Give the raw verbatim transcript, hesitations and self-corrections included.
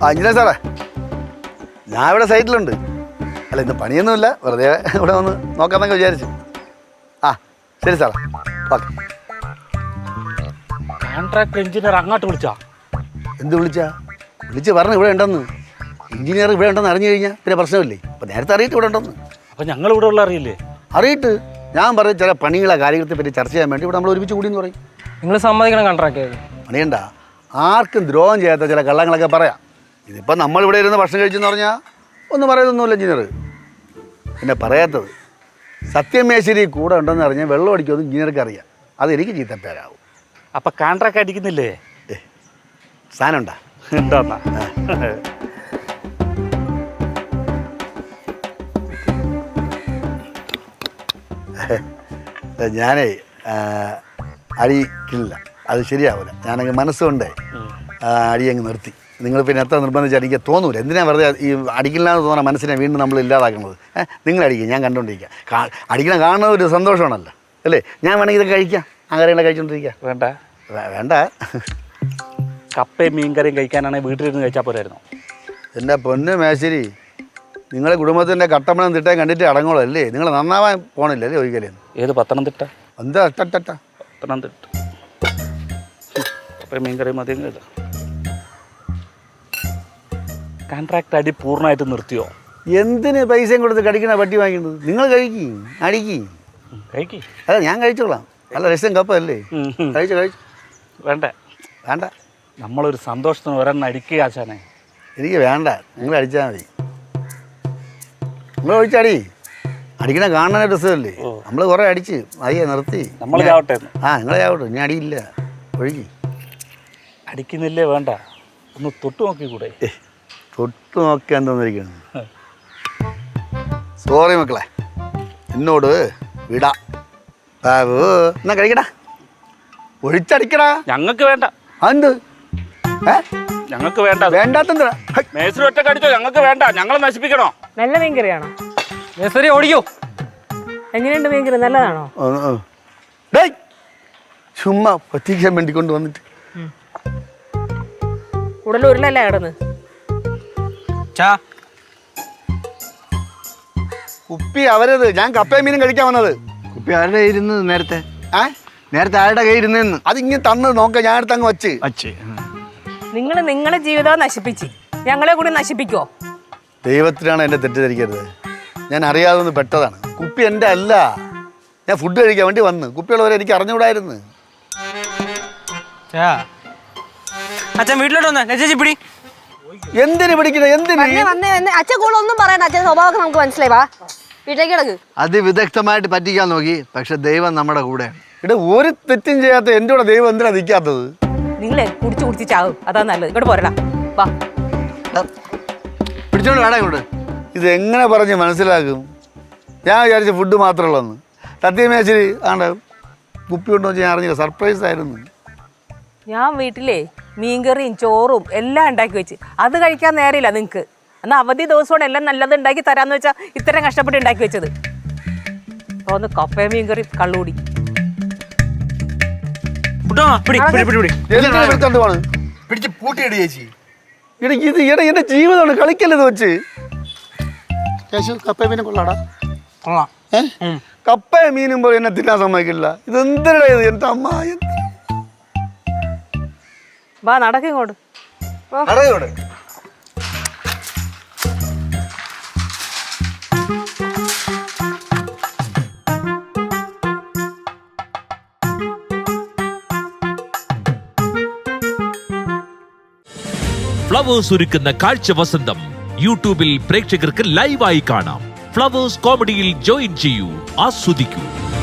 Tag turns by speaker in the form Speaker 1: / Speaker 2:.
Speaker 1: ആ എഞ്ചിനീയർ സാറേ, ഞാൻ ഇവിടെ സൈറ്റിലുണ്ട്. അല്ല ഇന്ന് പണിയൊന്നുമില്ല, വെറുതെ ഇവിടെ വന്ന് നോക്കാമെന്നൊക്കെ വിചാരിച്ചു. ആ ശരി സാറേ, ഓക്കെ.
Speaker 2: കോൺട്രാക്ട് എഞ്ചിനീയർ അങ്ങോട്ട് വിളിച്ചാ?
Speaker 1: എന്ത് വിളിച്ചാ? വിളിച്ച് പറഞ്ഞു ഇവിടെ ഉണ്ടെന്ന്. എഞ്ചിനീയർ ഇവിടെ ഉണ്ടെന്ന് അറിഞ്ഞു കഴിഞ്ഞാൽ പിന്നെ പ്രശ്നമില്ലേ. അപ്പം നേരത്തെ അറിയിട്ട് ഇവിടെ ഉണ്ടെന്ന്.
Speaker 2: അപ്പം ഞങ്ങൾ ഇവിടെ ഉള്ള അറിയില്ലേ?
Speaker 1: അറിയിട്ട് ഞാൻ പറയും ചില പണികളെ കാര്യങ്ങളെ പറ്റി ചർച്ച ചെയ്യാൻ വേണ്ടി ഇവിടെ നമ്മൾ ഒരുമിച്ച് കൂടി എന്ന് പറയും.
Speaker 3: നിങ്ങൾ സമ്മതിക്കണം കോൺട്രാക്ട്
Speaker 1: പണിയണ്ട, ആർക്കും ദ്രോഹം ചെയ്യാത്ത ചില കള്ളങ്ങളൊക്കെ പറയാം. ഇതിപ്പോൾ നമ്മളിവിടെ ഇരുന്ന് ഭക്ഷണം കഴിച്ചെന്ന് പറഞ്ഞാൽ ഒന്നും പറയുന്നൊന്നുമില്ല എഞ്ചിനീയർ. പിന്നെ പറയാത്തത് സത്യമേശ്വരി കൂടെ ഉണ്ടെന്ന് അറിഞ്ഞാൽ വെള്ളം അടിക്കുമെന്ന് എഞ്ചിനീയർക്ക് അറിയാം. അതെനിക്ക് ചീത്തപ്പേരാവും.
Speaker 2: അപ്പം കോൺട്രാക്ട് അടിക്കുന്നില്ലേ?
Speaker 1: സാധനം ഉണ്ടാ
Speaker 2: എന്താ?
Speaker 1: ഞാനേ അടിക്കില്ല, അത് ശരിയാവില്ല. ഞാനങ്ങ് മനസ്സുകൊണ്ടേ അടി അങ്ങ് നിർത്തി. നിങ്ങൾ പിന്നെ എത്ര നിർബന്ധിച്ച് അടിക്കാൻ തോന്നൂല. എന്തിനാ വെറുതെ ഈ അടിക്കില്ല എന്ന് തോന്നുന്ന മനസ്സിനെ വീണ്ടും നമ്മൾ ഇല്ലാതാക്കുന്നത്? ഏഹ് നിങ്ങൾ അടിക്കുക, ഞാൻ കണ്ടുകൊണ്ടിരിക്കുക. കാ അടിക്കണം കാണുന്ന ഒരു സന്തോഷമാണല്ലോ അല്ലേ? ഞാൻ വേണമെങ്കിൽ ഇതൊക്കെ കഴിക്കാം, അങ്ങനെയുള്ള കഴിച്ചുകൊണ്ടിരിക്കുക.
Speaker 2: വേണ്ട
Speaker 1: വേണ്ട,
Speaker 2: കപ്പയും മീൻകറിയും കഴിക്കാനാണെങ്കിൽ വീട്ടിലിരുന്ന് കഴിച്ചാൽ പോരായിരുന്നു.
Speaker 1: എൻ്റെ പൊന്ന് മേശ്ശേരി, നിങ്ങളെ കുടുംബത്തിൻ്റെ കട്ടമ്പളം തിട്ടയും കണ്ടിട്ട് അടങ്ങോളൂ അല്ലേ? നിങ്ങൾ നന്നാവാൻ പോണില്ലല്ലേ ഒരിക്കലും?
Speaker 2: ഏത് പത്തനംതിട്ട?
Speaker 1: എന്താ ടട്ട
Speaker 2: പത്തനംതിട്ട കപ്പയും മീൻകറിയും മതി. കോൺട്രാക്ട് അടി പൂർണ്ണമായിട്ട് നിർത്തിയോ?
Speaker 1: എന്തിന് പൈസയും കൊടുത്ത് കടിക്കണ പട്ടി വാങ്ങിക്കുന്നത്? നിങ്ങൾ കഴിക്കും, അടിക്കും,
Speaker 2: കഴിക്കി.
Speaker 1: അല്ല ഞാൻ കഴിച്ചോളാം. നല്ല രസം കപ്പല്ലേ? കഴിച്ചു കഴിച്ചു.
Speaker 2: വേണ്ട
Speaker 1: വേണ്ട,
Speaker 2: നമ്മളൊരു സന്തോഷത്തിന് ഒരെണ്ണം അടിക്കുക ആശാനെ.
Speaker 1: എനിക്ക് വേണ്ട, നിങ്ങൾ അടിച്ചാൽ മതി. നിങ്ങൾ ഒഴിച്ചടി, അടിക്കണ കാണാൻ രസമല്ലേ? നമ്മൾ കുറേ അടിച്ച് അയ്യ നിർത്തി.
Speaker 2: നമ്മൾ ചാവട്ടെ.
Speaker 1: ആ നിങ്ങളെ ചാവട്ടെ, ഞാൻ അടിയില്ല. ഒഴുകി
Speaker 2: അടിക്കുന്നില്ലേ? വേണ്ട, ഒന്ന് തൊട്ട് നോക്കിക്കൂടെ?
Speaker 1: തൊട്ട് നോക്കാൻ തോന്നിരിക്കുന്നു. സോറി മക്കളെ, എന്നോട് വിടാ. ബാബു എന്നാ കഴിക്കടാ, ഒഴിച്ചടിക്കടാ.
Speaker 2: ഞങ്ങൾക്ക് വേണ്ട.
Speaker 1: എന്ത്
Speaker 2: ഞങ്ങൾക്ക് വേണ്ട?
Speaker 1: വേണ്ടാത്തെന്താ?
Speaker 2: മേസ്ത്രി ഒറ്റ കടിച്ചോ? ഞങ്ങൾക്ക് വേണ്ട, ഞങ്ങളെ നശിപ്പിക്കണോ?
Speaker 4: നല്ല മീൻകറിയാണോ?
Speaker 3: മേസ്ത്രി ഓടിക്കോ.
Speaker 4: എങ്ങനെയുണ്ട് മീൻകറി? നല്ലതാണോ?
Speaker 1: ചുമ്മാ പറ്റിക്കാൻ വേണ്ടി കൊണ്ട് വന്നിട്ട്
Speaker 4: ഉടൽ ഉരുളല്ലേ കിടന്ന്?
Speaker 1: കുപ്പി അവരത്, ഞാൻ കപ്പയും മീനും കഴിക്കാൻ വന്നത്.
Speaker 5: കുപ്പി ആരുടെ ഇരുന്നത് നേരത്തെ?
Speaker 1: ഏ
Speaker 5: നേരത്തെ ആരുടെ കയ്യിൽ ഇരുന്നെന്ന്?
Speaker 1: അതിങ്ങനെ തന്ന് നോക്ക, ഞാൻ അടുത്ത് അങ്ങ് വച്ച്
Speaker 5: വച്ച്
Speaker 4: നിങ്ങൾ നിങ്ങളെ ജീവിതം നശിപ്പിച്ച് ഞങ്ങളെ കൂടി നശിപ്പിക്കോ?
Speaker 1: ദൈവത്തിനാണ് എന്നെ തെറ്റിദ്ധരിക്കരുത്. ഞാൻ അറിയാതെ ഒന്ന് പെട്ടതാണ്. കുപ്പി എൻ്റെ അല്ല, ഞാൻ ഫുഡ് കഴിക്കാൻ വേണ്ടി വന്ന്. കുപ്പിയുള്ളവരെ എനിക്ക് അറിഞ്ഞുകൂടായിരുന്നു.
Speaker 3: അച്ഛൻ വീട്ടിലോട്ട് വന്നേ, ചേച്ചി പിടി.
Speaker 1: എന്തിനു പിടിക്കണേ? എന്തിന്?
Speaker 6: അച്ഛൻ കൂടെ ഒന്നും പറയണ്ട, അച്ഛൻ സ്വഭാവമൊക്കെ നമുക്ക് മനസ്സിലായി. വാ വീട്ടിലേക്ക് കിടക്ക്.
Speaker 5: അതിവിദഗ്ധമായിട്ട് പറ്റിക്കാൻ നോക്കി, പക്ഷെ ദൈവം നമ്മുടെ കൂടെ.
Speaker 1: ഇവിടെ ഒരു തെറ്റും ചെയ്യാത്ത എൻ്റെ കൂടെ ദൈവം എന്തിനാ നിൽക്കാത്തത്?
Speaker 4: നിങ്ങളെ കുടിച്ചു കുടിച്ച് ചാവും, അതാ നല്ലത്. ഇങ്ങോട്ട് പോരടാ, വാ.
Speaker 5: പിടിച്ചോണ്ട് വേടാ ഇങ്ങോട്ട്.
Speaker 1: ഇത് എങ്ങനെ പറഞ്ഞ് മനസ്സിലാക്കും? ഞാൻ വിചാരിച്ച ഫുഡ് മാത്രമുള്ളതെന്ന്. സത്യമേശ്വരി ആണ്ട് കുപ്പി കൊണ്ടു വെച്ച് ഞാൻ അറിഞ്ഞില്ല, സർപ്രൈസ് ആയിരുന്നു.
Speaker 4: ഞാൻ വീട്ടിലെ മീൻകറിയും ചോറും എല്ലാം ഉണ്ടാക്കി വെച്ച് അത് കഴിക്കാൻ നേരമില്ല നിങ്ങൾക്ക്. എന്നാൽ അവധി ദിവസമാണ് എല്ലാം നല്ലത് ഉണ്ടാക്കി തരാമെന്ന് വെച്ചാൽ ഇത്രയും കഷ്ടപ്പെട്ട് ഉണ്ടാക്കി വെച്ചത്. തോന്നുന്നു കപ്പയും മീൻകറി കള്ളുകൂടി.
Speaker 1: പിടിച്ച് പൂട്ടിയിട് ചേച്ചി. ഇട ഇത് ഇട എന്റെ ജീവിതമാണ്, കളിക്കല്ലത് വെച്ച്. കപ്പയും മീനും കൊള്ളാടാ. കപ്പയും മീനും പോലെ എന്നെ തിന്നാൻ സമ്മതിക്കില്ല. ഇത് എന്തിനാ ഇത്? എന്റെ അമ്മ
Speaker 4: വാ നടക്കിങ്ങോട്ട്.
Speaker 7: ഫ്ലവേഴ്സ് ഒരുക്കുന്ന കാഴ്ച വസന്തം യൂട്യൂബിൽ പ്രേക്ഷകർക്ക് ലൈവായി കാണാം. ഫ്ലവേഴ്സ് കോമഡിയിൽ ജോയിൻ ചെയ്യൂ, ആസ്വദിക്കൂ.